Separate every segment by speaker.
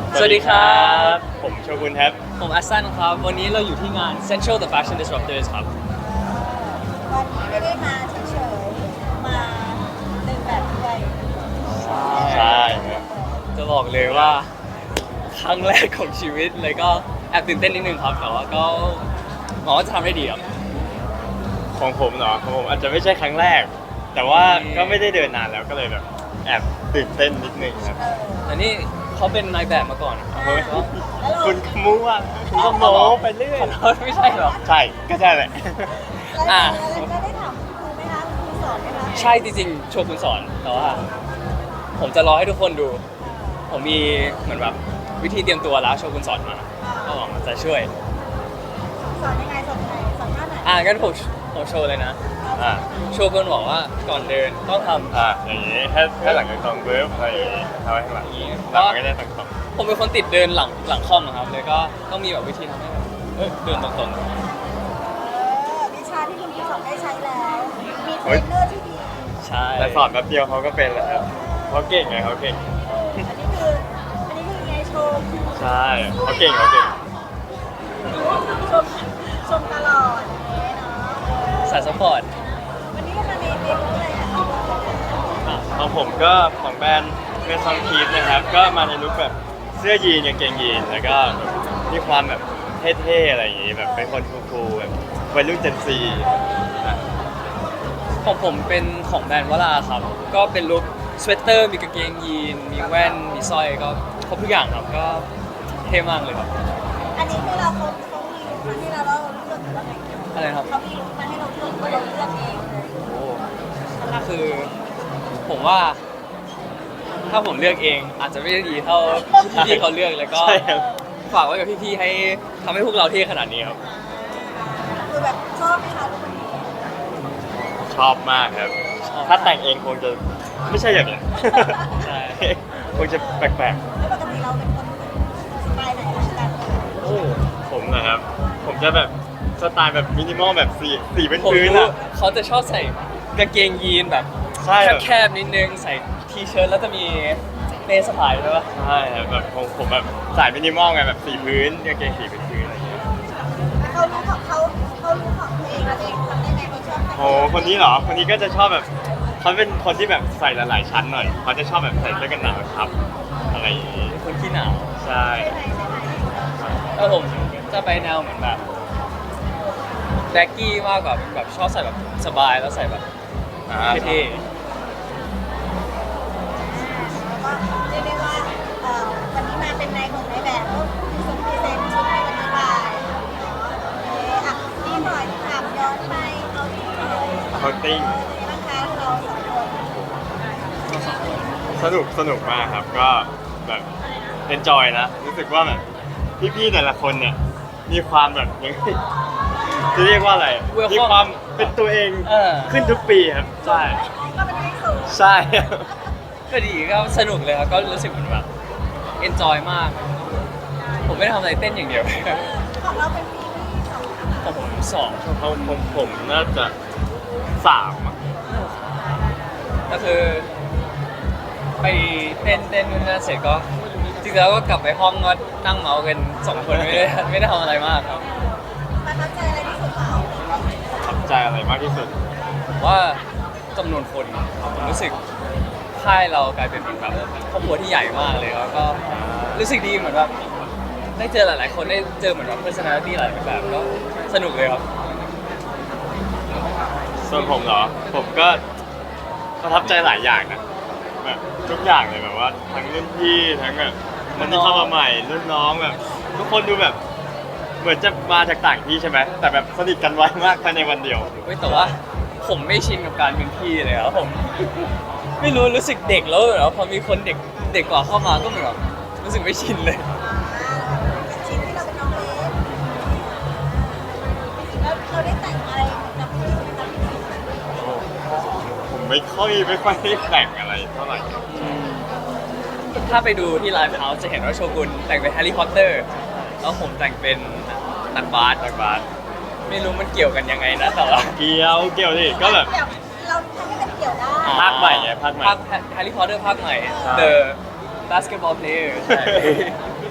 Speaker 1: สวัสดีครับ
Speaker 2: ผมโชกุนครับ
Speaker 1: ผมอัสซันครับวันนี้เราอยู่ที่งาน Central the Fashion Disruptors ครับ
Speaker 3: วันนี้ไม่ได้มาเฉยๆมาเดินแบบด้วย
Speaker 2: ใช่ครับ
Speaker 1: จะบอกเลยว่าครั้งแรกของชีวิตเลยก็แอบตื่นเต้นนิดนึงครับแต่ว่าก็หวังว่าจะทำได้ดีครับ
Speaker 2: ของผมเนาะของผมอาจจะไม่ใช่ครั้งแรก แต่ว่าก็ไม่ได้เดินนานแล้วก็เลยแบบแอบตื่นเต้นนิดนึงครับ
Speaker 1: แต่นี่เขาเป็นนายแบบมาก่อนครับ
Speaker 2: เฮ้ย
Speaker 3: แล้วเรา
Speaker 2: คุณขมูว่าคุณก็โม้ไปเรื่อย
Speaker 1: ขอโทษไม่ใช่หรอ
Speaker 2: ใช่ก็ใช่แหละ
Speaker 3: แล้วเราได้ถามครูไหมคะครูสอนไหมคะ
Speaker 1: ใช่จริงๆโชว์คุณสอนแต่ว่าผมจะรอให้ทุกคนดู ผมมีเหมือนแบบวิธีเตรียมตัวแล้วโชว์คุณสอนมาก็หวังว่าจะช่วย
Speaker 3: สอนยังไงสอนยังไงสอนท่าไหน
Speaker 1: งั้นผมโชว์เลยนะ
Speaker 2: อ่า
Speaker 1: โชว์คุณบอกว่าก่อนเดินต้องทำ
Speaker 2: อย่างนี้ให้หลังจากตรงเวิร์บอะไรอย่างนี้ทำให้ข้างหลัง
Speaker 1: อย่างนี้
Speaker 2: หลังไม่ได้ตรง
Speaker 1: ผมเป็นคนติดเดินหลังคอมอะครับเลยก็ต้องมีแบบวิธีทำให้แบบเดินตรง
Speaker 3: วิชาที่คุณครูสอนได้ใช้แล้ว มีเทรนเนอร์ที่ดี
Speaker 1: ๆใช่
Speaker 2: ๆแต่สอนแป๊บเดียวเขาก็เป็นแล้วครับเขาเก่งไงเขาเก่ง
Speaker 3: อันนี้คือไงชม
Speaker 2: ใช่เขาเก่งเขาเก่ง
Speaker 3: ชมชมตลอดอย่างเงี้ยเนาะ
Speaker 1: สายซัพพอร์ต
Speaker 3: วันนี้ก็มาในเรื่องอะไรอ่ะ
Speaker 2: ของผมก็ของแบรนด์เมซองคีฟนะครับก็มาในลุคแบบเสื้อยีนกางเกงยีนแล้วก็มีความแบบเท่ๆอะไรอย่างงี้แบบเป็นคนคูลๆแบบวัยรุ่นเจนซี
Speaker 1: ของผมเป็นของแบรนด์วราครับ ก็เป็นลุคสเวตเตอร์มีกางเกงยีนมีแว่นมีสร้อยก็ครบทุกอย่างครับก็เท่มากเลยครับ
Speaker 3: อันนี้คือเขามีลุคมาให้เราเลือกหรือว่าไง
Speaker 1: อะไรครับ
Speaker 3: เขามีลุคมาให้เราเลือกเราเลือกเองเลย
Speaker 1: โอ้คือผมว่า ถ้าผมเลือกเองอาจจะไม่ได้ดีเท่าพี่ๆเขาเลือกแล้วก็
Speaker 2: ใช่ครับ
Speaker 1: ฝากไว้กับพี่ๆให้ทำให้พวกเราเท่ขนาดนี้ครับ
Speaker 3: คือแบบชอบไหมคะลุคนี้
Speaker 2: ชอบมากครับ ถ้าแต่งเองคงจะไม่ใช่อย่างนี้น
Speaker 1: ใช่
Speaker 2: คงจะแปลก
Speaker 3: แล้วปกติเราเป็นคนสไตล์ไหนกัน
Speaker 1: โอ้
Speaker 2: ๆผมนะครับ ผมจะแบบสไตล์แบบมินิมอลแบบสีเป็น
Speaker 1: ผม
Speaker 2: พื้น
Speaker 1: รู้
Speaker 2: อ่ะ
Speaker 1: เขาจะชอบใส่กางเกงยีนแบบ
Speaker 2: ใช่แบบ
Speaker 1: แคบๆนิดนึงใส่ทีเชิ้ตแล้วจะมีเป้สะพายใช่ปะ
Speaker 2: ใช่ครับแบบผมแบบสายมินิมอลไงแบบสีพื้นกางเกงสีเป็นพื้นอะไรอย่างเงี้ย
Speaker 3: เขารู้ของเขารู้ของตัวเองแล้วตัวเองทำได้ไงเขาชอบ
Speaker 2: โอ้คนนี้เหรอ คนนี้ก็จะชอบแบบเขาเป็นคนที่แบบใส่หลายๆชั้นหน่อยเขาจะชอบแบบใส่เสื้อกันหนาวทับอะไรอย่างงี้
Speaker 1: เป็นคนขี้หนาว
Speaker 2: ใช่
Speaker 1: แล้วผมจะไปแนวเหมือนแบบแบ็กกี้มากกว่าแบบชอบใส่แบบสบายแล้วใส่แบบเท่
Speaker 3: ก็เรียกได้ว่าวันนี้มาเป็นนายของนายแบบก็คือสมพรีเซนต์ชุดในวันนี้ไปอ่ะนี่หน่อยถามย้อนไปเอาที่เลย
Speaker 2: เขาติ้ง
Speaker 3: บ้างคะเราสองคน
Speaker 2: สนุกมากครับ ก็แบบเอนจอยนะ รู้สึกว่าแบบพี่ๆแต่ละคนเนี่ยมีความแบบยังไงจะเรียกว่าอะไร มีความเป็นตัวเองขึ้นทุกปีครับ ใช่
Speaker 3: ก็เป็นที่สูง
Speaker 2: ใช่
Speaker 1: ก็ดีก็สนุกเลยครับก็รู้สึกเหมือนแบบเอนจอยมาก ผมไม่ได้ทำอะไรเต้นอย่างเดียว
Speaker 3: ของเราเป็นปีที่สอง
Speaker 1: ของผมสอง
Speaker 2: ผมน่าจะ3อะ
Speaker 1: ก็คือไปเต้นนู่นนั่นเสร็จก็จริงๆแล้วก็กลับไปห้องก็นั่งเมาส์กัน2 คนไม่ได้ทำอะไรมากครับ
Speaker 3: ประทับใจอะไรที่สุดเรา
Speaker 2: ประทับใจอะไรมากที่สุด
Speaker 1: ผมว่าจำนวนคนผมรู้สึกค่ายเรากลายเป็นแบบครอบครัวที่ใหญ่มากเลยแล้วก็รู้สึกดีเหมือนแบบได้เจอหลายๆคนได้เจอเหมือนแบบ personality หลายแบบก็สนุกเลยครับ
Speaker 2: ส่วนผมเหรอ ผมก็ประทับใจหลายอย่างนะแบบทุกอย่างเลยแบบว่าทั้งรุ่นพี่ทั้งแบบคนที่เข้ามาใหม่รุ่นน้องแบบทุกคนดูแบบเหมือนจะมาจากต่างที่ใช่ไหมแต่แบบสนิทกันไวมากภายในวันเดียว
Speaker 1: เว้ยแต่ว่าผมไม่ชินกับการเป็นพี่เลยครับผม ไม่รู้สึกเด็กแล้วเหรอพอมีคนเด็กกว่าเข้ามาก็เหมือนแบบรู้สึกไม่ชินเลย
Speaker 3: เป็นชิ้นที่เราเป็นน้องเล็กแล้วเราได้แต่งอะไรกับพี่ไหมคะ
Speaker 2: ผมไม่ค่อยได้แต่งอะไรเท่าไหร่
Speaker 1: ถ้าไปดูที่ไลฟ์เฮาส์จะเห็นว่าโชกุนแต่งเป็นแฮร์รี่พอตเตอร์แล้วผมแต่งเป็นนักบาส ไม่รู้มันเกี่ยวกันยังไงนะแต่ว่า
Speaker 2: เกี่ยวดิก็แบบ
Speaker 3: เกี่ยวเราทำให้มันเกี่ยวได้
Speaker 2: ภาคใหม่ไงภาคใหม่
Speaker 1: แฮร์รี่พอตเตอร์ภาคใหม่
Speaker 2: ใช่
Speaker 1: The Basketball Player ใช่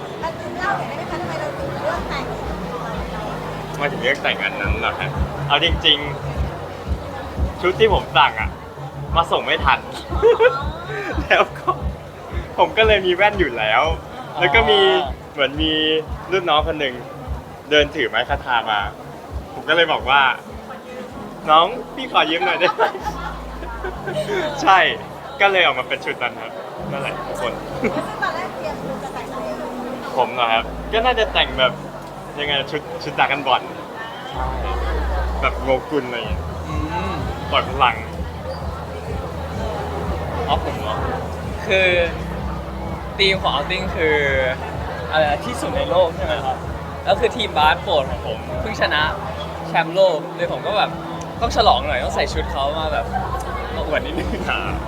Speaker 3: เราหน่อยได้ไหมคะทำไมเราถึงเลือกแต่ง
Speaker 2: มาถึงเลือกแต่งอันนั้นเหรอฮะเอาจริงๆ ชุดที่ผมสั่งอ่ะ มาส่งไม่ทัน แล้วก็ผมก็เลยมีแว่นอยู่แล้ว แล้วก็มีเหมือนมีรุ่นน้องคนหนึ่งเดินถือไม้คาทามา ผมก็เลยบอกว่า น้องพี่ขอยืมหน่อยได้ไหม ใช่ ก็เลยออกมาเป็นชุดนั้นครับนั่นแหละทุกคน
Speaker 3: ซึ่งตอนแรกเตรียมคือจะแต่งอะไร
Speaker 2: ผมเหรอครับ ก็น่าจะแต่งแบบยังไงชุดดรากันบอลแบบโงกุลอะไรอย่างเงี้ย
Speaker 1: อืม
Speaker 2: ปล่อยพลัง
Speaker 1: อ๋อผมเหรอคือทีมของเอาติ้งคืออะไรนะที่สุดในโลกใช่ไหมครับแล้วคือทีมบาสโปรดของผมเพิ่งชนะแชมป์โลกเลยผมก็แบบต้องฉลองหน่อยต้องใส่ชุดเขามาแบบมาอวดนิดนึง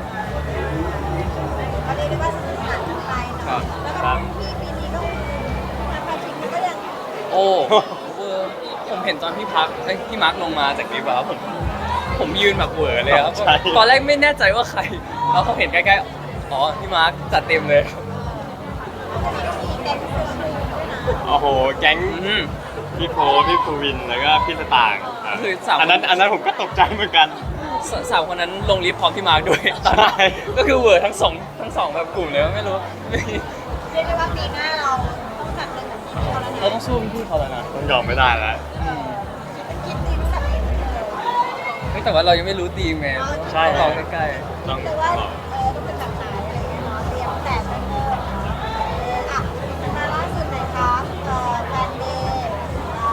Speaker 3: เขาเรียกได้ว่าสนุกสนานกันไป
Speaker 1: ครั
Speaker 3: เนาะ
Speaker 1: บ
Speaker 3: แล้วก็ปีนี้ก็ทำแฟนชิงก็ยัง
Speaker 1: โอ้ผมเห็นตอนพี่พักเอ้ยพี่มาร์คลงมาจากลิฟต์อะครับผมยืนแบบเหวอเลยครับ
Speaker 2: ใช่
Speaker 1: ตอนแรกไม่แน่ใจว่าใครแล้วเขาเห็นใกล้ๆอ๋อพี่มาร์คจัดเต็มเลยครับ
Speaker 3: ก็มีแก๊งเสื้อชูด้วยนะ
Speaker 2: โอ้โห แก๊ง
Speaker 1: อืม
Speaker 2: พี่โพพี่ภูวิน แล้วก็พี่สตางค์ะ
Speaker 1: คือสาม
Speaker 2: อันนั้นผมก็ตกใจเหมือนกัน
Speaker 1: สาวคนนั้นลงลิฟต์พร้อมพี่มาร์คด้วยตอนนั้น
Speaker 2: ใช่
Speaker 1: ก็คือเหวอทั้งสองแบบกลุ่มเลยไม่รู้ไม่
Speaker 3: เรียกได้ว่าปีหน้าเราต้องจัดเป็นแบบนี้เขาแล้วนะ
Speaker 1: เราต้องสู้พี่เขาแล้วนะ
Speaker 2: ต้องยอมไม่ได้แล้ว
Speaker 3: คิดดีรู้จักเองเลย
Speaker 1: เฮ้ยแต่ว่าเรายังไม่รู้ทีมไง
Speaker 2: ใช่
Speaker 1: ต้องรอใกล้
Speaker 2: ต้อง
Speaker 3: แต่ว่าต้องเป็นแบบไหนอะไรอย่างเงี้ยเนาะเตรียมแต่งเพิ่มอ่ะมาล่าสุดหน่อยครับแฟนเดย์เรา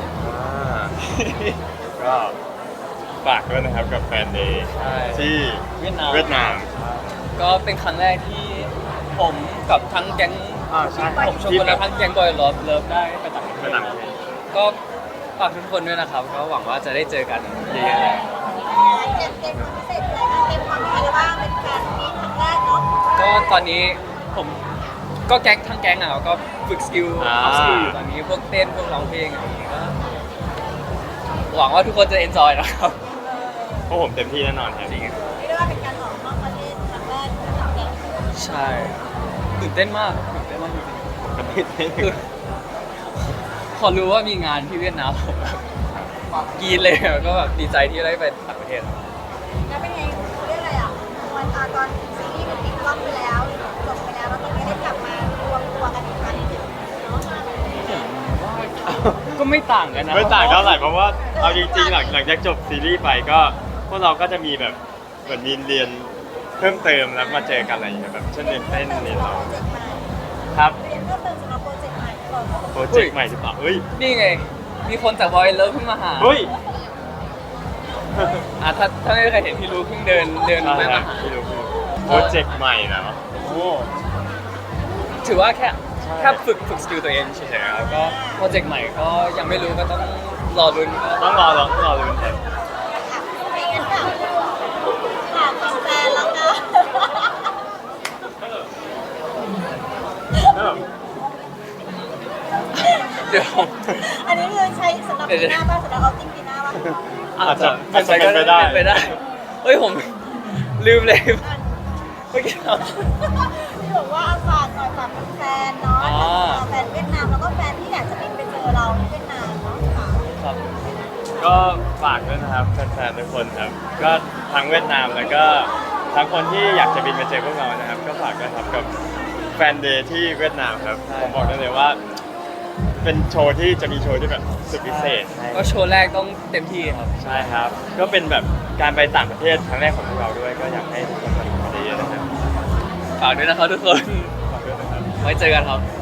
Speaker 2: ก็ฝากด้วยนะครับกับแฟนเดย์
Speaker 1: ๆใช่
Speaker 2: ที่
Speaker 1: เวียดนาม
Speaker 2: เวียดนาม
Speaker 1: ก็เป็นครั้งแรกที่ผมกับทั้งแก๊ง
Speaker 2: ใช่
Speaker 1: ผมชมคนและทั้งแก๊งบอยเลิฟได้ไปต่างประเท
Speaker 2: เวีย
Speaker 1: ศ
Speaker 2: ดนาม
Speaker 1: ก็ฝากทุกคนด้วยนะครับก็หวังว่าจะได้เจอกันเยอะๆเลย
Speaker 3: เตรียมความพิเศษอะไรบ้างเตรียมความมีอะไรบ้างเป็นแฟนมีครั้งแรกเนาะ
Speaker 1: ก็ตอนนี้ผมก็แก๊งทั้งแก๊งอ่ะก็ฝึกสกิลอัพสกิลอยู่ตอนนี้พวกเต้นพวกร้องเพลงอะไรอย่างเงี้ยก็หวังว่าทุกคนจะเอนจอยนะครับ
Speaker 2: พวกผมเต็มที่แน่นอนครับ
Speaker 1: จริง
Speaker 3: เรียกได้ว่าเป็นการออกนอกประเทศครั้งแรกของแก
Speaker 1: ใช่ตื่นเต้นมากจริง
Speaker 2: ผมก็ไม่ได้
Speaker 1: ๆคือพอรู้ว่ามีงานที่เวียดนามผมแบบกรีดเลยก็แบบดีใจที่ได้ไปต่างประเทศ
Speaker 3: แล้วเป็นไงเรียกอะไรอ่ะตอนซีรีส์มันปิดกล้องไปแล้วจบไปแล้วแล้วตอนนี้ได้กลับมารวมตัวกันอีกครั้งหนึ่งเนาะ
Speaker 1: ก็ไม่ต่างกันนะ
Speaker 2: ไม่ต่างเท่าไหร่เพราะว่าเอาจริงๆหลังจากจบซีรีส์ไปก็พวกเราก็จะมีแบบเหมือนมีเรียนเพิ่มเติมแล้วมาเจอกันอะไรอย่างเงี้ยแบบเช่นเรียนเต้นเรียนร้องครับ
Speaker 3: เรียนเพิ่มเติมสำหรับโปรเจกต์ใหม่ก่อน
Speaker 2: โปรเจกต์ใหม่หรือเปล่าเฮ้ย
Speaker 1: นี่ไง มีคนจากบอยเลิฟเพิ่งมาหา
Speaker 2: เฮ้ย
Speaker 1: ถ้าไม่มีใครเห็นพี่รู้เพิ่งเดินแม่มาหา
Speaker 2: ไม่รู้โปรเจกต์ใหม่นะ
Speaker 1: โอ้ถือว่าแค่
Speaker 2: ใช่
Speaker 1: ฝึกสกิลตัวเองเฉยๆแล้วก็โปรเจกต์ใหม่ก็ยังไม่รู้ก็ต้องรอลุ้นก็
Speaker 2: ต้องรอลุ้นครับ
Speaker 3: ไม่งั้นแบบถามแฟนแล้วนะ
Speaker 1: เดี๋ยว
Speaker 3: อันนี้คือใช้สำหรับปีหน้าป่ะสำหรับเอาติ้งปีหน้าป่ะ
Speaker 2: อาจจะ
Speaker 1: เป็นไปได้เฮ้ยผมลืมเลยเมื่อกี้เรา
Speaker 3: ที่บอกว่าฝากหน่อยฝากแฟนเนาะแฟนเวียดนามแล้วก็แฟนที่อยากจะบินไปเจอเราที่เวียดนามเนาะค่ะ
Speaker 1: ครับ
Speaker 2: ก็ฝากด้วยนะครับแฟนๆทุกคนครับ ก็ทั้งเวียดนามแล้วก็ทั้งคนที่อยากจะบินมาเจอพวกเรานะครับ ก็ฝากด้วยครับกับแฟนเดย์ที่เวียดนามครับผมบอกได้เลยว่า เป็นโชว์ที่จะมีโชว์ที่แบบสุดพิเศษ
Speaker 1: ก็โชว์แรกต้องเต็มที่ครับ
Speaker 2: ใช่ครับ ก็เป็นแบบการไปต่างประเทศครั้งแรกของพวกเราด้วย ก็อยากให้ทุกคนมาดูกันเยอะๆนะครับ
Speaker 1: ฝากด้วยนะครับทุกคน
Speaker 2: ฝากด้วยนะครับ
Speaker 1: ไว้เจอกันครับ